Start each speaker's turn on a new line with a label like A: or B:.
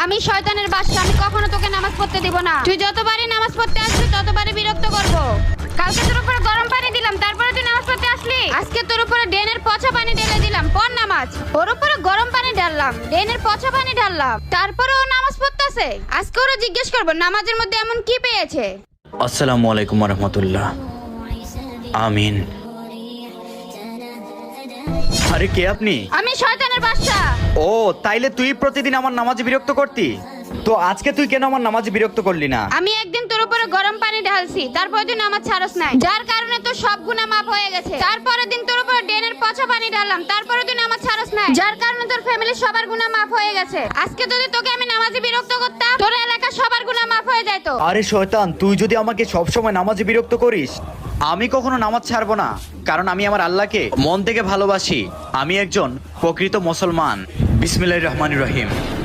A: আমি শয়তানের বাদশা, আমি কখনো তোকে নামাজ পড়তে দিব না। তুই যতবারই নামাজ পড়তে আসবি ততবারই বিরক্ত করব। কালকে তোর উপরে গরম পানি দিলাম, তারপরে তুই নামাজ পড়তে আসলি। আজকে তোর উপরে ড্রেনের পচা পানি ঢেলে দিলাম, পড় নামাজ। ওর উপরে গরম পানি ঢাললাম, ড্রেনের পচা পানি ঢাললাম, তারপরে ও নামাজ পড়তেছে। আজকে ওরা জিজ্ঞেস করবো নামাজের মধ্যে এমন কি পেয়েছে।
B: আসসালামু আলাইকুম রহমতুল্লাহ। আমিন। আরে কে আপনি?
A: আমি শয়তানের বাদশা।
B: ও তাইলে তুই প্রতিদিন আমার নামাজে বিরক্ত করতি, তো আজকে তুই কেন আমার নামাজে বিরক্ত করলি না?
A: আমি একদিন তোর উপরে গরম পানি ঢালছি, তারপরে তুই নামাজ ছাড়স নাই, যার কারণে তোর সব গুনাহ মাফ হয়ে গেছে। তারপরের দিন তোর উপরে ড্রেনের পচা পানি ঢাললাম, তারপরে তুই নামাজ ছাড়স নাই, যার কারণে তোর ফ্যামিলির সবার গুনাহ মাফ হয়ে গেছে। আজকে যদি তোকে আমি নামাজে বিরক্ত করতাম, তোর এলাকার সবার গুনাহ মাফ হয়ে যেত।
B: আরে শয়তান, তুই যদি আমাকে সবসময় নামাজে বিরক্ত করিস, আমি কখনো নামাজ ছাড়বো না, কারণ আমি আমার আল্লাহকে মন থেকে ভালোবাসি। আমি একজন প্রকৃত মুসলমান। বিসমিল্লাহির রহমানির রহিম।